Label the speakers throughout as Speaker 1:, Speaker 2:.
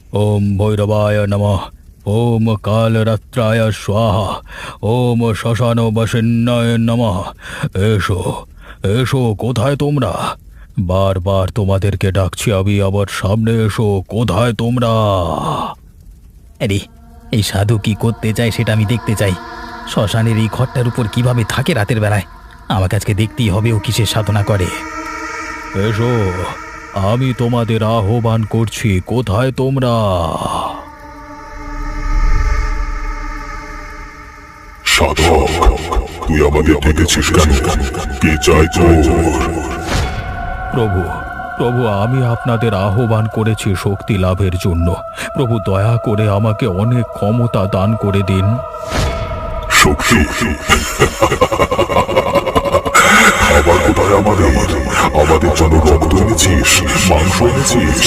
Speaker 1: ওম ভৈরবায় নমঃ। ওম কালরাত্রায় স্বাহা। ওম শ্মশান বসিন্নায় নমঃ। এসো, এসো, কোথায় তোমরা? বারবার তোমাদেরকে ডাকছি আমি, আবার সামনে এসো, কোথায় তোমরা?
Speaker 2: আরে, এই সাধু কি করতে চায় সেটা আমি দেখতে চাই। শ্মশানের এই ঘরটার উপর কিভাবে থাকে রাতের বেলায়? আমাকে আজকে দেখতেই হবে ও কিসের সাধনা করে।
Speaker 1: এসো, আমি তোমাদের আহ্বান করছি, কোথায় তোমরা?
Speaker 3: সাধক, তুই আমাদের ডেকেছিস কেন? কে চাই তোর?
Speaker 1: প্রভু, প্রভু, আমি আপনাদের আহ্বান করেছি শক্তি লাভের জন্য। প্রভু, দয়া করে আমাকে অনেক ক্ষমতা দান করে দিন।
Speaker 3: শক্তি? খাবার কোথায় আমাদের? আমাদের জন্য রক্ত এনেছিস, মাংস এনেছিস?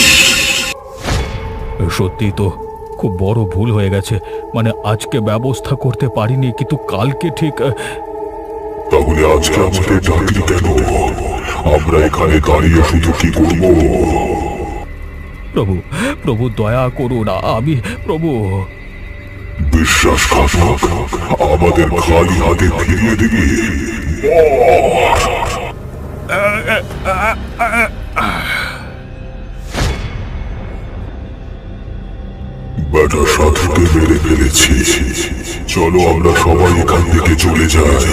Speaker 1: সত্যি তো খুব বড় ভুল হয়ে গেছে। মানে আজকে ব্যবস্থা করতে পারিনি, কিন্তু কালকে ঠিক।
Speaker 3: তাহলে আজকে আমাদের ডাকলি কেন? আমরা এখানে দাঁড়িয়ে শুধু কি করবো?
Speaker 1: প্রভু, প্রভু, দয়া করুন, আমি প্রভু।
Speaker 3: বিশ্বাসঘাতক, আমাদের খালি হাতে ফিরিয়ে দিবি? বেটা সাধুকে মেরে ফেলেছি। চলো আমরা সবাই এখান থেকে চলে যাই।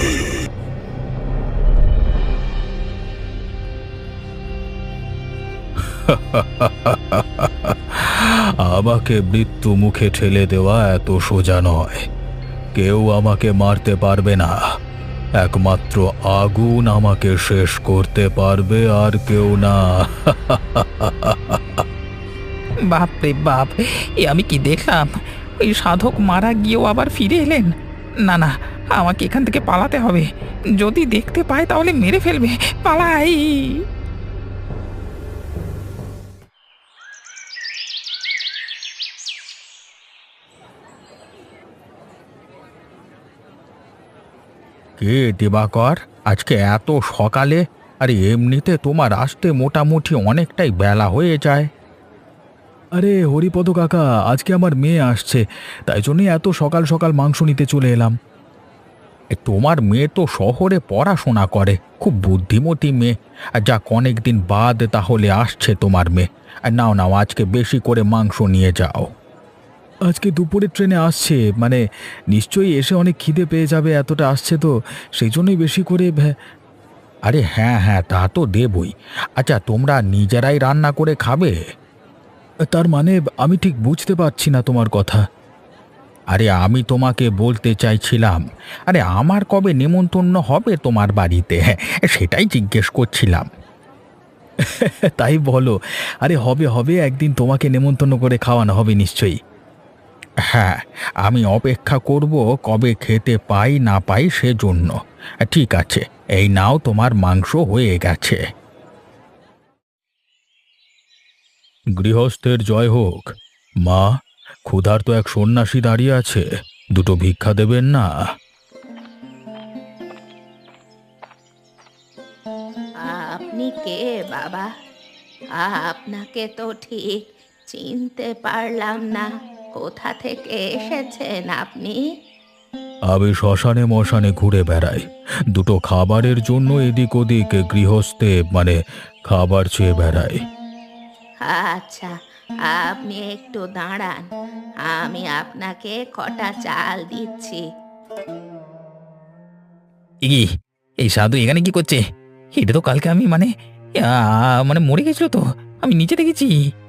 Speaker 1: আমাকে মৃত্যু মুখে ঠেলে দেওয়া এত সোজা নয়। কেউ আমাকে মারতে পারবে না। একমাত্র আগুন আমাকে শেষ করতে পারবে, আর কেউ না।
Speaker 2: বাপ রে বাপ, এ আমি কি দেখলাম? ওই সাধক মারা গিয়েও আবার ফিরে এলেন। না না, আমাকে এখান থেকে পালাতে হবে। যদি দেখতে পায় তাহলে মেরে ফেলবে। পালাই।
Speaker 1: কে দিবাকর, আজকে এত সকালে? আরে এমনিতে তোমার আসতে মোটামুটি অনেকটাই বেলা হয়ে যায়। আরে হরিপদ কাকা, আজকে আমার মেয়ে আসছে, তাই জন্যই এত সকাল সকাল মাংস নিতে চলে এলাম। তোমার মেয়ে তো শহরে পড়াশোনা করে, খুব বুদ্ধিমতী মেয়ে। আর যাক, অনেকদিন বাদ তাহলে আসছে তোমার মেয়ে। আর নাও নাও, আজকে বেশি করে মাংস নিয়ে যাও। আজকে দুপুরের ট্রেনে আসছে, মানে নিশ্চয়ই এসে অনেক খিদে পেয়ে যাবে, এতটা আসছে তো সেই জন্যই বেশি করে। আরে হ্যাঁ হ্যাঁ, তা তো দেবই। আচ্ছা, তোমরা নিজেরাই রান্না করে খাবে? তার মানে আমি ঠিক বুঝতে পারছি না তোমার কথা। আরে আমি তোমাকে বলতে চাইছিলাম, আরে আমার কবে নেমন্তন্ন হবে তোমার বাড়িতে, সেটাই জিজ্ঞেস করছিলাম। তাই বলো? আরে হবে হবে, একদিন তোমাকে নেমন্তন্ন করে খাওয়ানো হবে নিশ্চয়ই। হ্যাঁ, আমি অপেক্ষা করব কবে খেতে পাই না পাই সেজন্য। ঠিক আছে, এই নাও, তোমার মাংস হয়ে গেছে। গৃহস্থের জয় হোক। মা, ক্ষুধার্ত এক সন্ন্যাসী দাঁড়িয়ে আছে, দুটো ভিক্ষা দেবেন না?
Speaker 4: আপনি কে বাবা? আপনাকে তো ঠিক চিনতে পারলাম না। কোথা থেকে এসেছেন আপনি?
Speaker 1: আমি শ্মশানে মশানে ঘুরে বেড়াই, দুটো খাবারের জন্য এদিক ওদিক গৃহস্থে মানে খাবার চেয়ে বেড়াই।
Speaker 4: আচ্ছা, আপনি একটু দাঁড়ান, আমি আপনাকে কটা চাল দিচ্ছি।
Speaker 2: এ কি, এই সাধু এখানে কি করছে? এটা তো কালকে আমি মানে মরে গেছিল তো, আমি নিচে দেখেছি।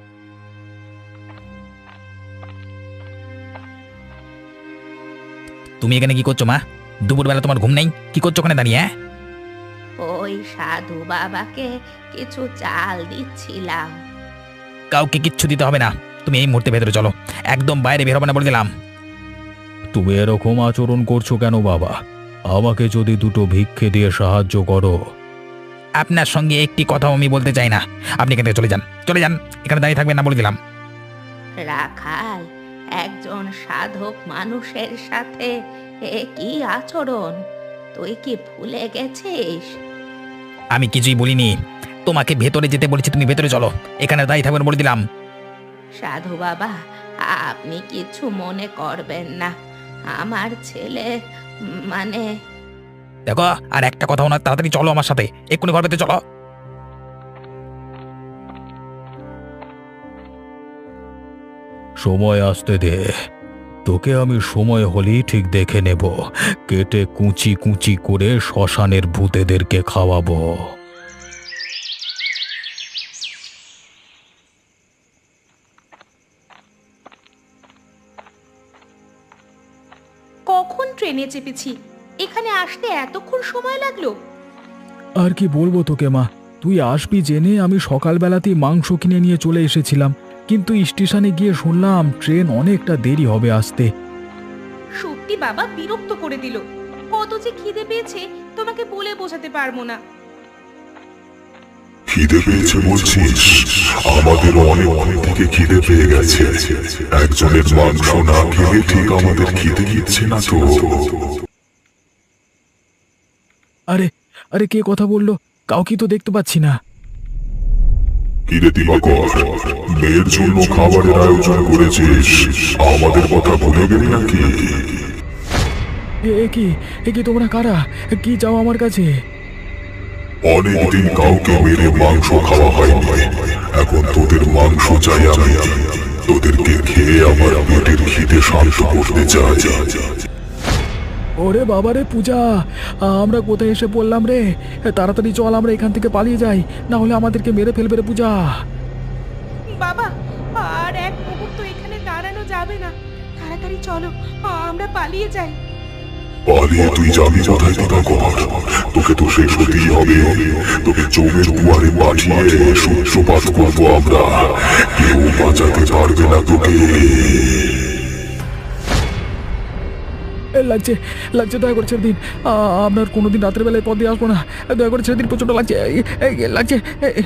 Speaker 2: তুমি এখানে কি করছো মা? দুপুরবেলা তোমার ঘুম নেই? কি করছো ওখানে দাঁড়িয়ে? হ্যাঁ,
Speaker 4: ওই সাধু বাবাকে কিছু চাল দিচ্ছিলাম।
Speaker 2: কাউকে কিচ্ছু দিতে হবে না। তুমি এই মুহূর্তে ভেতরে চলো, একদম বাইরে বের হবে না বলে দিলাম।
Speaker 1: তুমি এরকম আচরণ করছো কেন বাবা? আমাকে যদি দুটো ভিক্ষে দিয়ে সাহায্য করো।
Speaker 2: আপনার সঙ্গে একটি কথাও আমি বলতে চাই না। আপনি এখান থেকে চলে যান, চলে যান, এখানে দাঁড়িয়ে থাকবেন না বলে দিলাম।
Speaker 4: রাখাল, একজন সাধক মানুষের সাথে এ কি আচরণ? তুই কি ভুলে গেছিস?
Speaker 2: আমি কিছুই বলিনি। তোমাকে ভেতরে যেতে বলেছি, তুমি ভেতরে চলো, এখানে দাঁড়িয়ে থাকবেন বলে দিলাম।
Speaker 4: সাধু বাবা, আপনি কিছু মনে করবেন না। আমার ছেলে মানে
Speaker 2: দেখো, আর একটা কথা না, তাড়াতাড়ি চলো আমার সাথে, এক্ষুনি ঘর পেতে চলো।
Speaker 1: সময় আসতে দে, তোকে আমি সময় হলেই ঠিক দেখে নেব, কেটে কুচি কুচি করে শ্মশানের ভূতেদেরকে খাওয়াবো।
Speaker 4: কখন ট্রেনে চেপেছি, এখানে আসতে এতক্ষণ সময় লাগলো?
Speaker 1: আর কি বলবো তোকে মা, তুই আসবি জেনে আমি সকালবেলাতেই মাংস কিনে নিয়ে চলে এসেছিলাম, কিন্তু স্টেশনে গিয়ে শুনলাম ট্রেন অনেকটা দেরি হবে আসতে।
Speaker 4: সত্যি বাবা বিরক্ত করে দিল। কত যে খিদে পেয়েছে তোমাকে বলে বোঝাতে পারবো না।
Speaker 3: খিদে পেয়েছে বলছিস? আমাদের অনেক থেকে খিদে পেয়ে গেছে। একজনের মাংস না খেলে ঠিক আমাদের খিদে দিচ্ছে না তো।
Speaker 1: আরে আরে, কে কথা বললো? কাউকে তো দেখতে পাচ্ছি না।
Speaker 3: কিরে দিবাকর, মেয়ের জন্য খাবারের আয়োজন করেছিস, আমাদের কথা ভুলে গেলি নাকি?
Speaker 1: এ কি তোমরা কারা? কি চাও আমার কাছে?
Speaker 3: অনেকদিন কাউকে মেরে মাংস খাওয়া হয়নি, এখন তোদের মাংস চাই আমি। তোদেরকে খেয়ে আমার পেটের খিদে শান্ত করতে চাই।
Speaker 1: ওরে বাবারে পূজা, আমরা কোথায় এসে পড়লাম রে? তাড়াতাড়ি চল, আমরা এখান থেকে পালিয়ে যাই, না হলে আমাদেরকে মেরে ফেলবে রে পূজা।
Speaker 4: বাবা, আর এক মুহূর্ত এখানে দাঁড়ানো যাবে না। তাড়াতাড়ি চলো, আমরা পালিয়ে যাই।
Speaker 3: পালিয়ে তুই যাবি কোথায় দিবাকর? তোকে তো শেষ হতেই হবে। তোকে চোখের দুয়ারে পাঠিয়ে সূত্রপাত করবো আমরা, কেউ বাঁচাতে পারবে না তোকে।
Speaker 1: লাগছে লাগছে, দয়া করে ছেড়ে দিন। আপনার কোনোদিন রাতের বেলায় পথ দিয়ে আসবো না, দয়া করে ছেড়ে দিন, প্রচন্ড লাগছে, লাগছে।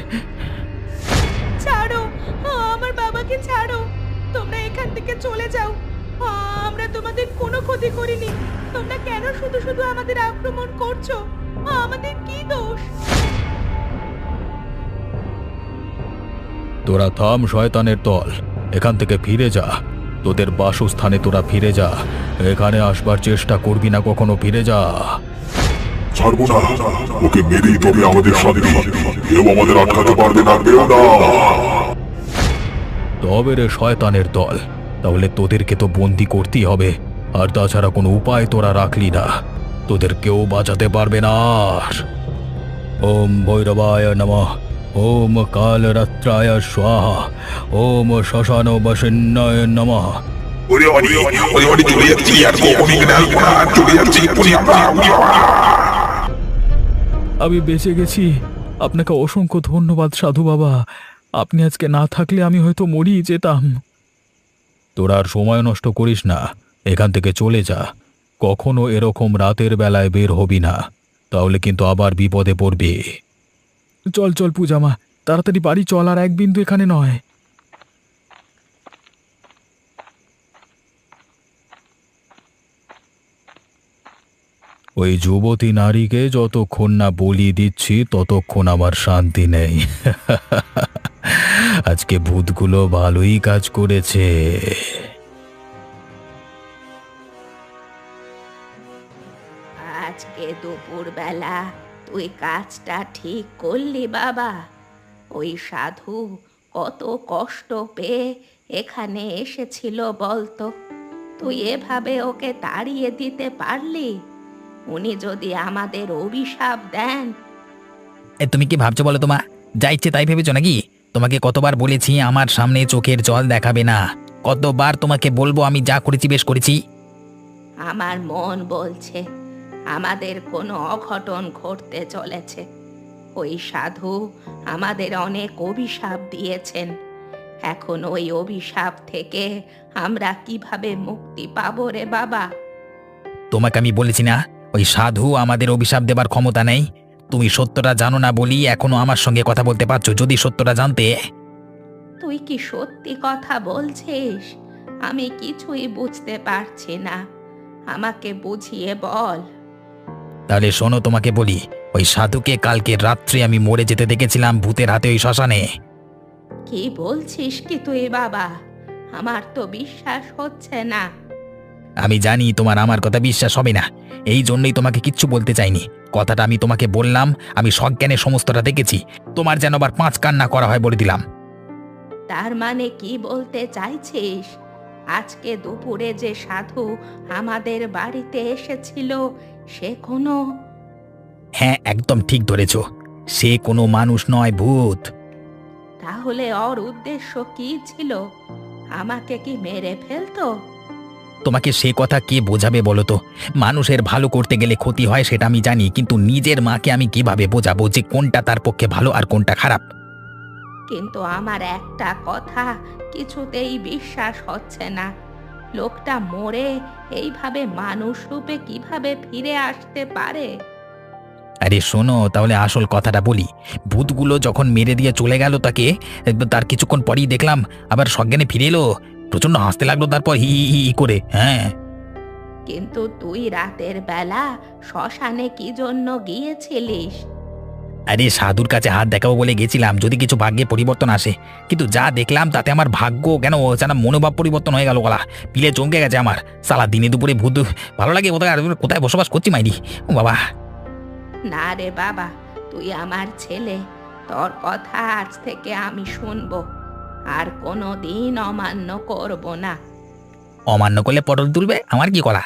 Speaker 4: ছাড়ো, আমার বাবাকে ছাড়ো। তোমরা এখান থেকে চলে যাও। আমরা তোমাদের কোনো ক্ষতি করিনি। তোমরা কেন শুধু শুধু আমাদের আক্রমণ করছো? আমাদের কি দোষ?
Speaker 1: তোরা থাম শয়তানের দল, এখান থেকে ফিরে যা, তোদের বাসস্থানে তোরা ফিরে যা, এখানে আসবার চেষ্টা করবি না কখনো, ফিরে যা।
Speaker 3: ছাড়বো না, ওকে মেরেই তবে আমাদের শান্তি। কেউ আমাদের আটকাতে পারবে না, কেউ না।
Speaker 1: তবে রে শয়তানের দল, তাহলে তোদেরকে তো বন্দি করতেই হবে, আর তাছাড়া কোনো উপায় তোরা রাখলি না, তোদের কেউ বাঁচাতে পারবে না আর। ওম ভৈরবায় নমঃ, ওম কালরাত্রায় স্বাহা, ওম শ্মশান বসিন্নায় নমঃ। আমি বেঁচে গেছি, আপনাকে অসংখ্য ধন্যবাদ সাধু বাবা, আপনি আজকে না থাকলে আমি হয়তো মরিয়ে যেতাম। তোরা আর সময় নষ্ট করিস না, এখান থেকে চলে যা, কখনো এরকম রাতের বেলায় বের হবি না, তাহলে কিন্তু আবার বিপদে পড়বি। চল চল পূজা মা, তাড়াতাড়ি বাড়ি চল, আর এক বিন্দু এখানে নয়। ওই যুবতী নারীকে যতক্ষণ না বলি দিচ্ছি ততক্ষণ আমার শান্তি নেই। আজকে ভূতগুলো ভালোই কাজ করেছে।
Speaker 4: আজকে দুপুরবেলা তুই কাজটা ঠিক করলি বাবা। ওই সাধু কত কষ্ট পেয়ে এখানে এসেছিল বলতো, তুই এভাবে ওকে তাড়িয়ে দিতে পারলি? উনি যদি আমাদের অভিশাপ দেন।
Speaker 2: তুমি কি ভাবছো বলো তোমা? যা ইচ্ছে তাই ভেবেছো নাকি? তোমাকে কতবার বলেছি আমার সামনে চোখের জল দেখাবে না, কতবার তোমাকে বলবো আমি যা করেছি বেশ করেছি।
Speaker 4: আমার মন বলছে আমাদের কোনো অঘটন ঘটতে চলেছে। ওই সাধু আমাদের অনেক অভিশাপ দিয়েছেন, এখন ওই অভিশাপ থেকে আমরা কিভাবে মুক্তি পাবো রে বাবা?
Speaker 2: তোমাকে আমি বলেছি না ওই সাধু আমাদের অভিশাপ দেবার ক্ষমতা নেই? তুমি সত্যটা জানো না বলি এখনো আমার সঙ্গে কথা বলতে পারছো, যদি সত্যটা জানতে।
Speaker 4: তুই কি সত্যি কথা বলছিস? আমি কিছুই বুঝতে পারছি না, আমাকে বুঝিয়ে বল।
Speaker 2: তাহলে শোনো তোমাকে বলি, ওই সাধুকে কালকে রাত্রে আমি মরে যেতে দেখেছিলাম ভূতের হাতে ওই শ্মশানে।
Speaker 4: কি বলছিস কি তুই বাবা? আমার তো বিশ্বাস হচ্ছে না।
Speaker 2: আমি জানি তোমার আমার কথা বিশ্বাস হবে না, এই জন্যই তোমাকে কিচ্ছু বলতে চাইনি। কথাটা আমি তোমাকে বললাম, আমি সজ্ঞানে সমস্তটা দেখেছি। তোমার যেন আবার পাঁচ কান্না করা হয় বলে দিলাম।
Speaker 4: তার মানে কি বলতে চাইছিস? আজকে দুপুরে যে সাধু আমাদের বাড়িতে এসেছিল সে কোনো...
Speaker 2: হ্যাঁ, একদম ঠিক ধরেছ, সে কোনো মানুষ নয়, ভূত।
Speaker 4: তাহলে ওর উদ্দেশ্য কি ছিল? আমাকে কি মেরে ফেলতো?
Speaker 2: তোমাকে সে কথা কে বোঝাবে বলো তো? মানুষের ভালো করতে গেলে ক্ষতি হয় সেটা আমি জানি, কিন্তু নিজের মাকে আমি কিভাবে বোঝাবো যে কোনটা তার পক্ষে ভালো আর কোনটা খারাপ?
Speaker 4: কিন্তু আমার একটা কথা কিছুতেই বিশ্বাস হচ্ছে না। লোকটা মরে এইভাবে মানুষ রূপে কিভাবে ফিরে আসতে পারে?
Speaker 2: আরে শোনো, তাহলে আসল কথাটা বলি। ভূতগুলো যখন মেরে দিয়ে চলে গেল তাকে, তার কিছুক্ষণ পরেই দেখলাম আবার সজ্ঞানে ফিরে এলো। প্রচন্ড হাসতে লাগলো, তারপর হি হি হি হি করে। হ্যাঁ,
Speaker 4: কিন্তু তুই রাতের বেলা শ্মশানে কি জন্য গিয়েছিলিস?
Speaker 2: আরে সাধুর কাছে হাত দেখাবো বলে গেছিলাম, যদি কিছু ভাগ্যে পরিবর্তন আসে। কিন্তু যা দেখলাম তাতে আমার ভাগ্য কেন যেন মনোভাব পরিবর্তন হয়ে গেল। গলা পিলে চমকে গেছে আমার। সালা দিনে দুপুরে ভূত ভালো লাগে কোথায়? আর কোথায় বসবাস করছি মাইরি? ও বাবা!
Speaker 4: না রে বাবা, তুই আমার ছেলে, তোর কথা আজ থেকে আমি শুনবো, আর কোনো দিন অমান্য করব না।
Speaker 2: অমান্য করলে পটল তুলবে, আমার কি করা?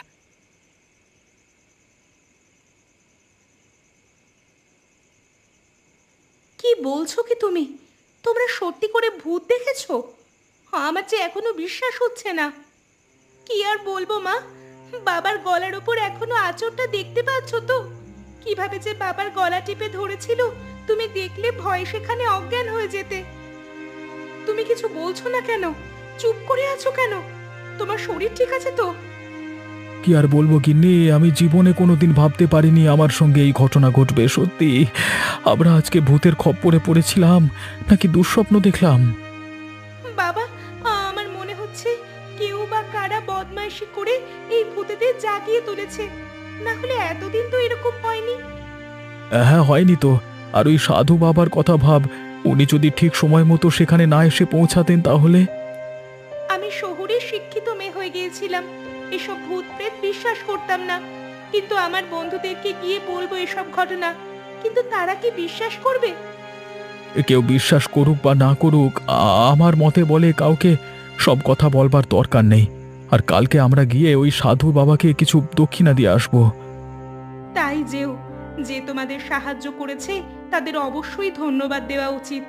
Speaker 4: কি বলছো কি তুমি? তোমরা সত্যি করে ভূত দেখেছো? আমার যে এখনো বিশ্বাস হচ্ছে না। কি আর বলবো মা, বাবার গলার উপর এখনো আঁচড়টা দেখতে পাচ্ছ তো? কিভাবে যে বাবার গলা টিপে ধরেছিল, তুমি দেখলে ভয়ে সেখানে অজ্ঞান হয়ে যেতে। তুমি কিছু বলছো না কেন? চুপ করে আছো কেন? তোমার শরীর ঠিক আছে তো?
Speaker 1: কি আর বলবো গিন্নি, আমি জীবনে কোনোদিন ভাবতে পারিনি আমার সঙ্গে এই ঘটনা ঘটবে। সত্যি আমরা আজকে ভূতের খপ্পরে পড়েছিলাম নাকি দুঃস্বপ্ন দেখলাম?
Speaker 4: বাবা, আমার মনে হচ্ছে কেউ বা কারা বদমাইশি করে এই ভূতেদের জাগিয়ে তুলেছে। না হলে এতদিন তো এরকম হয়নি।
Speaker 1: হ্যাঁ, হয়নি তো। আর ওই সাধু বাবার কথা ভাব, উনি যদি ঠিক সময় মতো সেখানে না এসে পৌঁছাতেন তাহলে...
Speaker 4: আমি শহুরে শিক্ষিত মেয়ে হয়ে গিয়েছিলাম, এসব ভূত প্রেত বিশ্বাস করতাম না। কিন্তু আমার বন্ধুদেরকে গিয়ে বলবো এসব ঘটনা, কিন্তু তারা কি বিশ্বাস করবে?
Speaker 1: কেউ বিশ্বাস করুক বা না করুক, আমার মতে বলে কাউকে সব কথা বলবার দরকার নেই। আর কালকে আমরা গিয়ে ওই সাধু বাবাকে কিছু দক্ষিণা দিয়ে আসবো।
Speaker 4: তাই যেও, যে তোমাদের সাহায্য করেছে তাদের অবশ্যই ধন্যবাদ দেওয়া উচিত।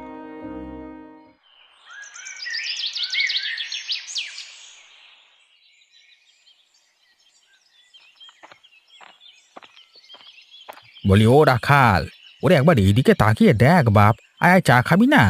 Speaker 2: বলি, ও রাখাল, ওরে একবার এইদিকে তাকিয়ে দেখ বাপ। আয় আয়, চা খাবি না?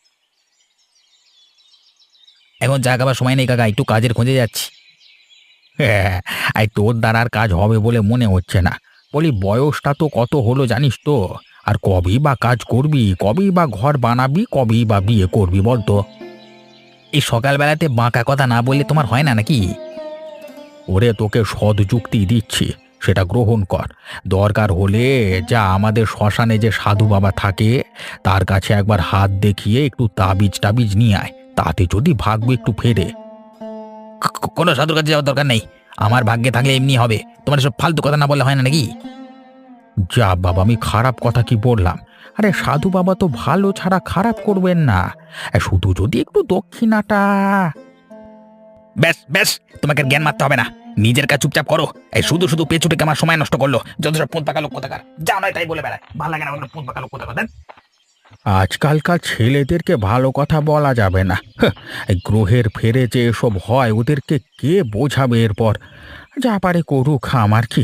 Speaker 2: এখন চা খাবার সময় নেই কাকা, একটু কাজের খোঁজে যাচ্ছি। হ্যাঁ, আর তোর দ্বারা আর কাজ হবে বলে মনে হচ্ছে না। বলি, বয়সটা তো কত হলো জানিস তো? আর কবেই বা কাজ করবি, কবেই বা ঘর বানাবি, কবেই বা বিয়ে করবি বলতো? এই সকালবেলাতে বাঁকা কথা না বললে তোমার হয় না নাকি? ওরে, তোকে সৎ যুক্তি দিচ্ছি, সেটা গ্রহণ কর। দরকার হলে যা আমাদের শ্মশানে যে সাধু বাবা থাকে তার কাছে একবার হাত দেখিয়ে একটু তাবিজ টাবিজ নিয়ে আয়, তাতে যদি ভাগ্য একটু ফেরে। কোনো সাধুর কাছে যাওয়ার দরকার নেই, আমার ভাগ্যে থাকলে এমনি হবে। তোমার সব ফালতু কথা না বললে হয় না নাকি? যা বাবা, আমি খারাপ কথা কি বললাম? আরে সাধু বাবা তো ভালো ছাড়া খারাপ করবেন না, শুধু যদি একটু দক্ষিণাটা... ব্যাস ব্যাস, তোমাকে জ্ঞান মারতে হবে না, নিজের কাজ চুপচাপ করো। এই শুধু শুধু পেছুটে আমার সময় নষ্ট করলো, যত সব পোঁত পাকা লোক কোথাকার। যা নয় তাই বলে বেড়ায়, ভালো লাগে না পোঁত পাকা লোক কোথাকার। আজকালকার ছেলেদেরকে ভালো কথা বলা যাবে না। এই গ্রহের ফেরে যে এসব হয় ওদেরকে কে বোঝাবে? এরপর যা পারে করুক, আমার কি।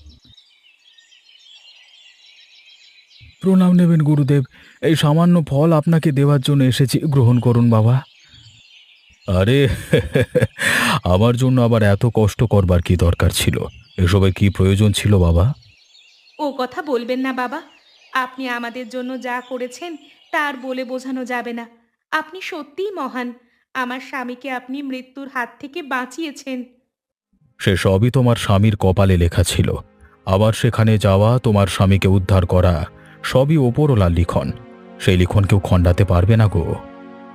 Speaker 1: প্রণাম নেবেন গুরুদেব, এই সামান্য ফল আপনাকে দেওয়ার জন্য এসেছি, গ্রহণ করুন বাবা। আরে আমার জন্য আবার এত কষ্ট করবার কি দরকার ছিল? এসবের কি প্রয়োজন ছিল বাবা?
Speaker 4: ও কথা বলবেন না বাবা, আপনি আমাদের জন্য যা করেছেন তার বলে বোঝানো যাবে না। আপনি সত্যিই মহান। আমার স্বামীকে আপনি মৃত্যুর হাত থেকে বাঁচিয়েছেন।
Speaker 1: সে সবই তোমার স্বামীর কপালে লেখা ছিল। আবার সেখানে যাওয়া, তোমার স্বামীকে উদ্ধার করা, সবই ওপরওয়ালার লিখন। সেই লিখন কেউ খণ্ডাতে পারবে না গো।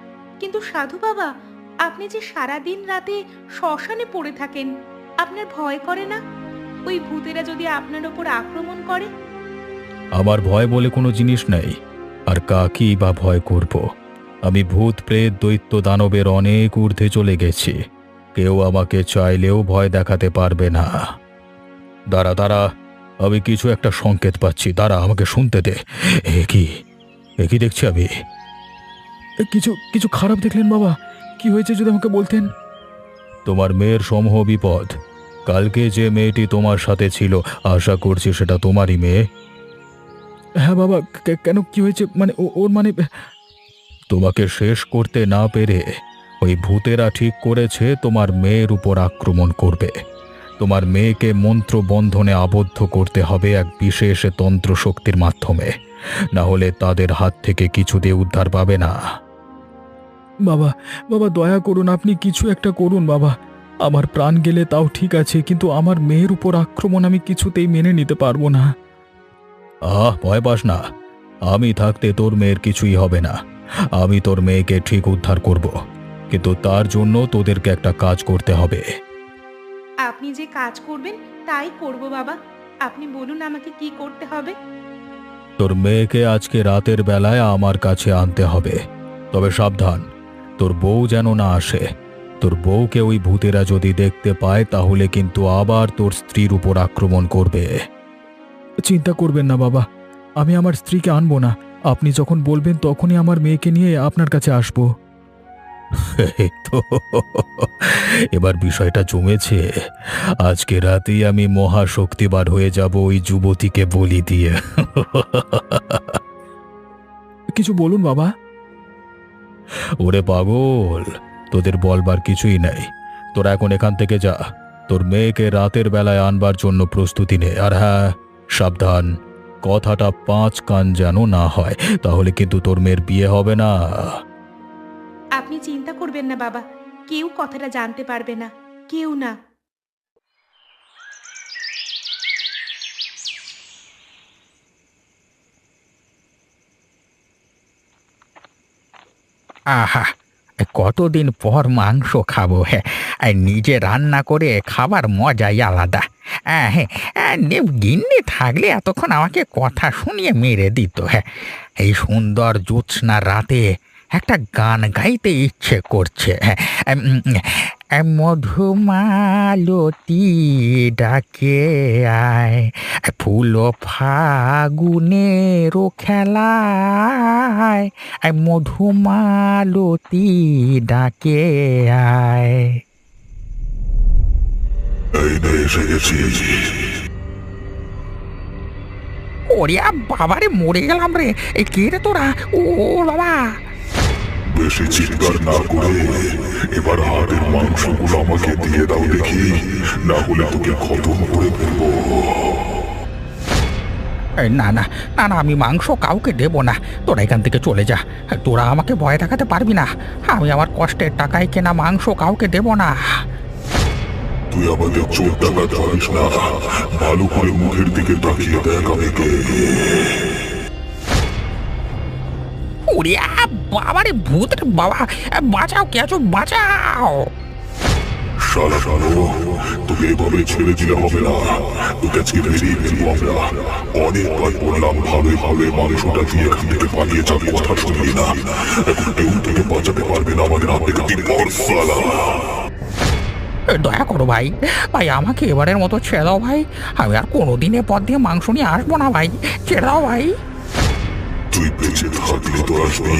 Speaker 4: কিন্তু সাধু বাবা, আপনি যে সারা দিন রাতে শ্মশানে পড়ে থাকেন, আপনার ভয় করে না? ওই ভূতেরা যদি আপনার ওপর আক্রমণ করে?
Speaker 1: আমার ভয় বলে কোনো জিনিস নেই, আর কাকি বা ভয় করব। আমি ভূত প্রেত দৈত্য দানবের অনেক ঊর্ধ্বে চলে গেছি, কেউ আমাকে চাইলেও ভয় দেখাতে পারবে না। দাঁড়া দাঁড়া, আমি কিছু একটা সংকেত পাচ্ছি, দাঁড়া আমাকে শুনতে দে। একই দেখছি আমি। কিছু কিছু খারাপ দেখলেন বাবা? কি হয়েছে যদি আমাকে বলতেন। তোমার মেয়ের সমূহ বিপদ। কালকে যে মেয়েটি তোমার সাথে ছিল, আশা করছি সেটা তোমারই মেয়ে। হ্যাঁ বাবা, কেন কি হয়েছে? মানে ওর মানে তোমাকে শেষ করতে না পেরে ওই ভূতেরা ঠিক করেছে তোমার মেয়ের উপর আক্রমণ করবে। তোমার মেয়েকে মন্ত্র বন্ধনে আবদ্ধ করতে হবে এক বিশেষ তন্ত্র শক্তির মাধ্যমে, না হলে তাদের হাত থেকে কিছুতেই উদ্ধার পাবে না। বাবা বাবা, দয়া করুন, আপনি কিছু একটা করুন বাবা। আমার প্রাণ গেলে তাও ঠিক আছে, কিন্তু আমার মেয়ের উপর আক্রমণ আমি কিছুতেই মেনে নিতে পারবো না। ভয় পাস না, আমি থাকতে তোর মেয়ের কিছুই হবে না। আমি তোর মেয়েকে ঠিক উদ্ধার করব, কিন্তু তার জন্য তোদেরকে একটা কাজ করতে হবে।
Speaker 4: আপনি যে কাজ করবেন তাই করব বাবা। আপনি বলুন আমাকে কি করতে হবে।
Speaker 1: তোর মেয়েকে আজকে রাতের বেলায় আমার কাছে আনতে হবে, তবে সাবধান, তোর বউ যেন না আসে। তোর বউকে ওই ভূতেরা যদি দেখতে পায় তাহলে কিন্তু আবার তোর স্ত্রীর উপর আক্রমণ করবে। চিন্তা করবেন না বাবা, আমি আমার স্ত্রীকে আনবো না। আপনি যখন বলবেন তখনই আমার মেয়েকে নিয়ে আপনার কাছে আসবো। তো এবার বিষয়টা জমেছে। আজকে রাতেই আমি মহাশক্তিবার হয়ে যাব ওই যুবতীকে বলি দিয়ে। কিছু বলুন বাবা। ওরে পাগল, তোদের বলবার কিছুই নেই। তোরা এখন এখান থেকে যা, তোর মেয়েকে রাতের বেলায় আনবার জন্য প্রস্তুতি নে। আর হ্যাঁ, সাবধান, কথাটা 5 কান যেন না হয়, তাহলে কিন্তু তোর মেয়ের বিয়ে হবে না।
Speaker 4: আপনি চিন্তা করবেন না বাবা, কেউ কথাটা জানতে পারবে না, কেউ না।
Speaker 2: আহা, কতদিন পর মাংস খাবো। হ্যাঁ, আর নিজে রান্না করে খাবার মজাই আলাদা। হ্যাঁ, গিন্নি থাকলে এতক্ষণ আমাকে কথা শুনিয়ে মেরে দিত। হ্যাঁ, এই সুন্দর জ্যোৎস্না রাতে একটা গান গাইতে ইচ্ছে করছে। হ্যাঁ, মধুমালতী ডাকে আয়, ফুল ফাগুনের খেলায়, মধুমালতী ডাকে আয়।
Speaker 3: এই নে এসে গেছি।
Speaker 2: ওরে বাবারে, মরে গেলাম রে! এই কে রে তোরা? ও বাবা!
Speaker 3: বেশি চিৎকার না করে এবার হাটের মাংসগুলো আমাকে দিয়ে দাও দেখি, না হলে তোকে খতম করে ফেলবো।
Speaker 2: না না না না, আমি মাংস কাউকে দেব না। তোরা এখান থেকে চলে যা। তোরা আমাকে ভয় দেখাতে পারবি না। আমি আমার কষ্টের টাকায় কেনা মাংস কাউকে দেব না।
Speaker 3: তুই আমাদের চোর টাকা ধরিস না, ভালো করে মুখের দিকে তাকিয়ে দেখ আমি কে।
Speaker 2: ওরে বাবারে, ভূত রে বাবা! বাঁচাও, কে আছো? বাঁচাও!
Speaker 3: শালা তোকে এভাবে ছেড়ে দিলে হবে না, তোকে আজকে মেরেই ফেলবো আমরা। অনেকবার বললাম ভাবে ভাবে মাংসটা দিয়ে এখান থেকে পালিয়ে যাবে, কথা শুনলি না। এখন কেউ তোকে বাঁচাতে পারবে না আমাদের হাত থেকে। শালা
Speaker 2: দয়া করো ভাই, ভাই আমাকে এবারের মতো ছেড়ে দাও ভাই। আমি আর কোনোদিন এ পথ দিয়ে মাংস নিয়ে আসবো না ভাই, ছেড়ে দাও ভাই।
Speaker 3: তুই বেঁচে থাকলে তো আসবি।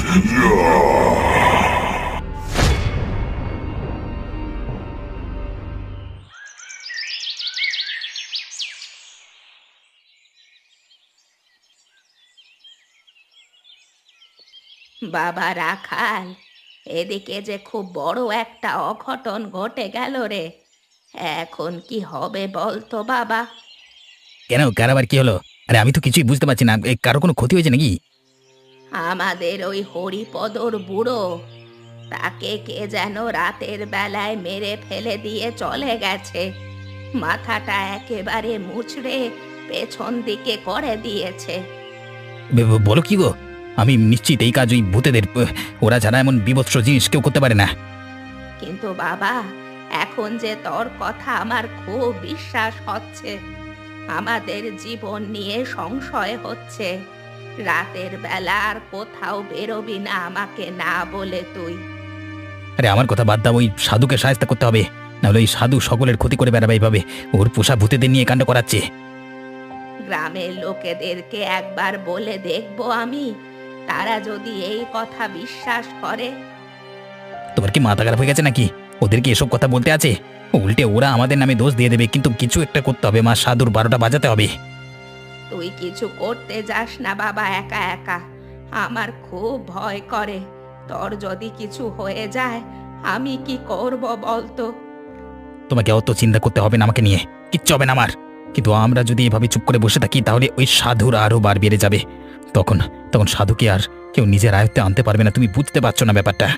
Speaker 4: বাবা রাখাল, এদিকে যে খুব বড় একটা অঘটন ঘটে গেল রে। এখন কি হবে বলতো বাবা?
Speaker 2: কেন, কার আবার কি হলো? আরে আমি তো কিছুই বুঝতে পারছি না। কারো কোনো ক্ষতি হয়েছে নাকি?
Speaker 4: আমাদের ওই হরিপদর বুড়ো, তাকে কে যেন রাতের বেলায় মেরে ফেলে দিয়ে চলে গেছে। মাথাটা একেবারে মুচড়ে পেছন দিকে করে দিয়েছে।
Speaker 2: বলো কি গো? আমি নিশ্চিত এই কাজ ওই ভূতেদের, ওরা ছাড়া এমন বিভৎস জিনিস কেউ করতে পারে না।
Speaker 4: কিন্তু বাবা, এখন যে তোর কথা আমার খুব বিশ্বাস হচ্ছে। আমাদের জীবন নিয়ে সংশয় হচ্ছে। রাতের বেলা আর কোথাও বেরোবি না আমাকে না বলে তুই।
Speaker 2: আরে আমার কথা বাদ দাও, ওই সাধুকে সাহায্য করতে হবে, নাহলে ওই সাধু সকলের ক্ষতি করে বেড়াবে এইভাবে। ওর পোষা ভূতেদের নিয়ে কাণ্ড করাচ্ছে।
Speaker 4: গ্রামের লোকেদেরকে একবার বলে দেখবো আমি, তারা যদি এই কথা বিশ্বাস করে।
Speaker 2: তোমার কি মাথা খারাপ হয়ে গেছে নাকি? ওদেরকে এসব কথা বলতে আছে? উল্টে ওরা আমাদের নামে দোষ দিয়ে দেবে। কিন্তু কিছু একটা করতে হবে মা, সাধুর 12টা বাজাতে হবে।
Speaker 4: তুই কিছু করতে যাস না বাবা একা একা। আমার খুব ভয় করে। তোর যদি কিছু হয়ে যায় আমি কি করব বলতো?
Speaker 2: তোমাকে অত চিন্তা করতে হবে না আমাকে নিয়ে, কিচ্ছু হবে না আমার। কিন্তু আমরা যদি এভাবে চুপ করে বসে থাকি তাহলে ওই সাধুর আরো বার বেড়ে যাবে। তখন তখন সাধুকে আর কেউ নিজের আয়ত্তে আনতে পারবে না। তুমি বুঝতে পারছো না ব্যাপারটা?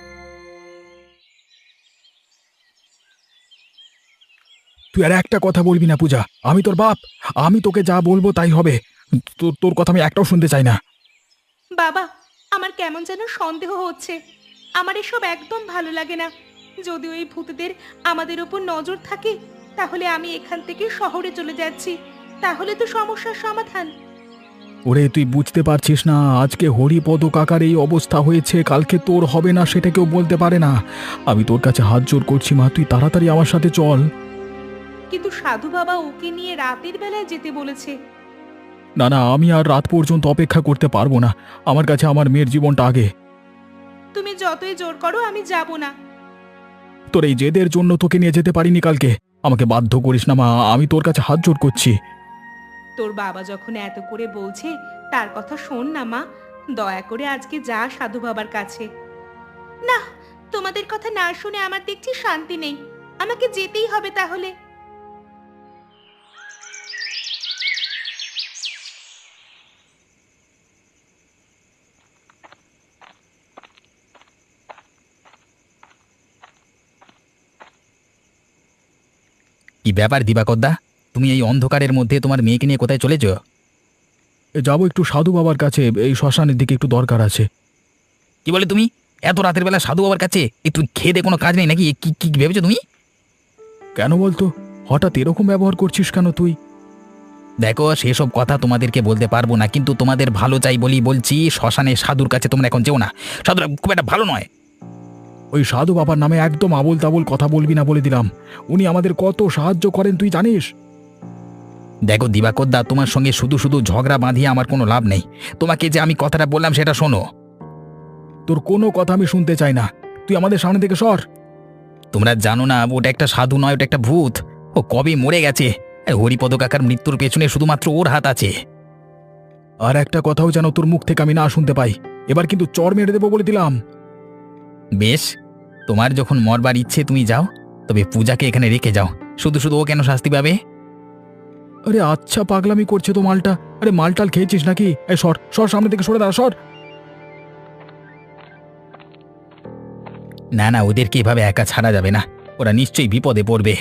Speaker 1: তুই আর একটা কথা বলবি না পূজা, আমি তোর বাপ। আমি তোকে যা বলবো তাই হবে। তোর কথা আমি একটাও শুনতে চাই না।
Speaker 4: বাবা, আমার কেমন যেন সন্দেহ হচ্ছে। আমার এসব একদম ভালো লাগে না। যদি ওই ভূতদের আমাদের উপর নজর থাকে তাহলে আমি এখান থেকে শহরে চলে যাচ্ছি। তাহলে তো সমস্যার সমাধান।
Speaker 1: ওরে তুই বুঝতে পারছিস না, আজকে হরিপদ কাকার এই অবস্থা হয়েছে, কালকে তোর হবে না সেটা কেউ বলতে পারে না। আমি তোর কাছে হাত জোর করছি মা, তুই তাড়াতাড়ি আমার সাথে চল।
Speaker 4: কিন্তু সাধু বাবা ওকে নিয়ে রাতের বেলায় যেতে বলেছে।
Speaker 1: না না, আমি আর রাত পর্যন্ত অপেক্ষা করতে পারবো না। আমার কাছে আমার মেয়ের জীবনটা আগে।
Speaker 4: তুমি যতই জোর করো আমি যাব না।
Speaker 1: তোর এই জেদের জন্য তোকে নিয়ে যেতে পারিনি কালকে। আমাকে বাধ্য করিস না মা, আমি তোর কাছে হাত জোর করছি।
Speaker 4: তোর বাবা যখন এত করে বলছে তার কথা শোন না মা। দয়া করে আজকে যা সাধু বাবার কাছে। না, তোমাদের কথা না শুনে আমার দেখছি শান্তি নেই। আমাকে যেতেই হবে তাহলে।
Speaker 2: কি ব্যাপার দিবাকরদা, তুমি এই অন্ধকারের মধ্যে তোমার মেয়েকে নিয়ে কোথায় চলেছ?
Speaker 1: যাবো একটু সাধু বাবার কাছে, এই শ্মশানের দিকে একটু দরকার আছে।
Speaker 2: কি বলে তুমি? এত রাতের বেলা সাধু বাবার কাছে? তুই খেয়ে দে কোনো কাজ নেই নাকি? কি কি ভেবেছো তুমি?
Speaker 1: কেন বলতো, হঠাৎ এরকম ব্যবহার করছিস কেন তুই?
Speaker 2: দেখো, সেসব কথা তোমাদেরকে বলতে পারবো না, কিন্তু তোমাদের ভালো চাই বলি বলছি, শ্মশানে সাধুর কাছে তোমরা এখন যেও না। সাধুরা খুব একটা ভালো নয়।
Speaker 1: ওই সাধু বাবার নামে একদম আবোল তাবোল কথা বলবি না বলে দিলাম। উনি আমাদের কত সাহায্য করেন তুই জানিস।
Speaker 2: দেখো দিবাকরদা, তোমার সঙ্গে শুধু শুধু ঝগড়া বাঁধিয়ে আমার কোনো লাভ নেই। তোমাকে যে আমি কথাটা বললাম সেটা শোনো।
Speaker 1: তোর কোনো কথা আমি শুনতে চাই না, তুই আমাদের সামনে থেকে সর।
Speaker 2: তোমরা জানো না ওটা একটা সাধু নয়, ওটা একটা ভূত। ও কবে মরে গেছে। হরিপদ কাকার মৃত্যুর পেছনে শুধুমাত্র ওর হাত আছে।
Speaker 1: আর একটা কথাও যেন তোর মুখ থেকে আমি না শুনতে পাই। এবার কিন্তু চর মেরে দেবো বলে দিলাম।
Speaker 2: বেশ, তোমার যখন মরবার ইচ্ছে তুমি যাও, তবে পূজাকে এখানে রেখে যাও। শুধু শুধু ও কেন শাস্তি পাবে?
Speaker 1: আরে আচ্ছা, পাগলামি করছে তো মালটা। আরে মালটাল খেয়েছিস নাকি? এই সর সর, সামনে থেকে সরে দাঁড়া, সর।
Speaker 2: না না, ওদেরকে এভাবে একা ছাড়া যাবে না, ওরা নিশ্চয়ই বিপদে পড়বে।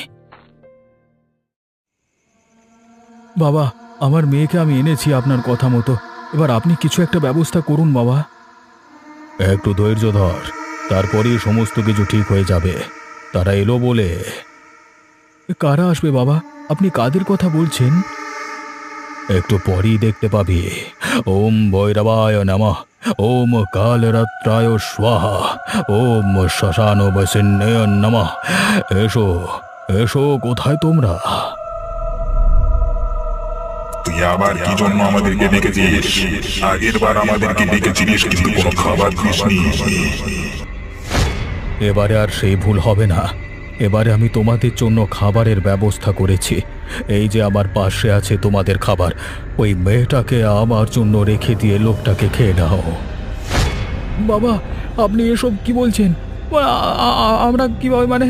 Speaker 1: বাবা, আমার মেয়েকে আমি এনেছি আপনার কথা মতো। এবার আপনি কিছু একটা ব্যবস্থা করুন বাবা। একটু ধৈর্য ধর, তারপরেই সমস্ত কিছু ঠিক হয়ে যাবে। তারা এলো বলে। কারা আসবে বাবা? আপনি কাদের কথা বলছেন? একটু পরেই দেখতে পাবি। ওম ভৈরবায় নমঃ, ওম কালরাত্রায় স্বাহা, ওম শ্মশান বসিন্নয় নমঃ। এসো এসো, কোথায় তোমরা?
Speaker 3: তুই আবার কি জন্য আমাদেরকে ডেকেছিস? আগের বার আমাদেরকে ডেকেছিলিস কিন্তু কোনো খাবার দিসনি।
Speaker 1: এবারে আর সেই ভুল হবে না। এবারে আমি তোমাদের জন্য খাবারের ব্যবস্থা করেছি। এই যে আমার পাশে আছে তোমাদের খাবার, ওই মেয়েটাকে আমার জন্য রেখে দিয়ে লোকটাকে খেয়ে নাও। বাবা, আপনি এসব কি বলছেন? আমরা কিভাবে মানে?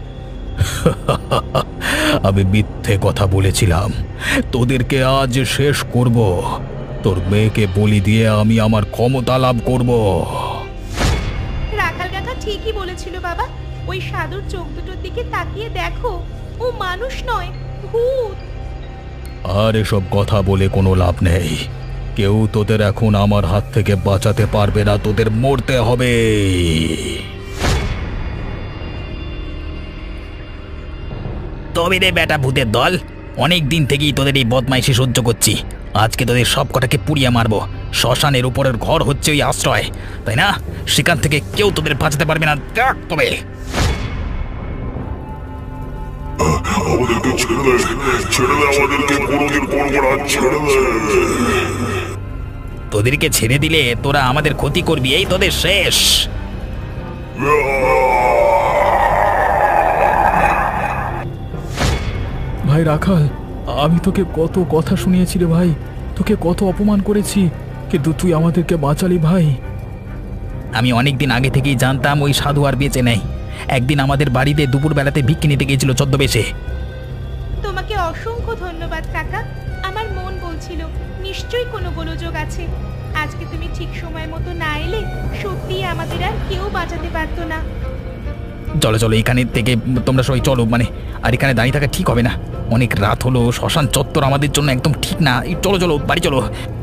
Speaker 1: আমি মিথ্যে কথা বলেছিলাম। তোদেরকে আজ শেষ করব। তোর মেয়েকে বলি দিয়ে আমি আমার ক্ষমতা লাভ করব।
Speaker 4: রাখাল কাকা ঠিকই বলেছিল বাবা। ওই সাধুর চোখ দুটোর দিকে তাকিয়ে দেখো, ও মানুষ নয়, ভূত।
Speaker 1: আর এসব কথা বলে কোনো লাভ নেই। কেউ তোদের এখন আমার হাত থেকে বাঁচাতে পারবে না, তোদের মরতে হবে।
Speaker 2: তবে রে বেটা ভূতের দল, অনেক দিন থেকেই তোদের এই বদমাইশি সহ্য করছি। আজকে তোদের সব কটাকে পুড়িয়ে মারবো। শ্মশানের উপরের ঘর হচ্ছে ওই আশ্রয়, তাই না? সেখান থেকে কেউ তোদের বাঁচাতে পারবে না। দেখ তবে
Speaker 3: আমাদেরকে ছেড়ে দে, ছেড়ে দে আমাদেরকে, কোনোদিন করবো না, ছেড়ে দে।
Speaker 2: তোদেরকে ছেড়ে দিলে তোরা আমাদের ক্ষতি করবি, এই তোদের শেষ।
Speaker 1: ভাই রাখাল, আমি তোকে কত কথা শুনিয়েছি রে ভাই, তোকে কত অপমান করেছি, কিন্তু তুই আমাদেরকে বাঁচালি ভাই।
Speaker 2: আমি অনেক দিন আগে থেকেই জানতাম ওই সাধু আর বেঁচে নেই। একদিন আমাদের বাড়িতে দুপুরবেলাতে ভিক্ষি নিতে গিয়েছিল ছদ্মবেশে।
Speaker 5: তোমাকে অসংখ্য ধন্যবাদ কাকা। আমার মন বলছিল নিশ্চয়ই কোনো গোলযোগ আছে। আজকে তুমি ঠিক সময় মতো না এলে সত্যিই আমাদের আর কেউ বাঁচাতে পারতো না।
Speaker 2: চলো চলো, এখানে থেকে তোমরা সবাই চলো, আর এখানে দাঁড়িয়ে থাকা ঠিক হবে না। অনেক রাত হলো, শ্মশান চত্বর আমাদের জন্য একদম ঠিক না। এই চলো চলো, বাড়ি চলো।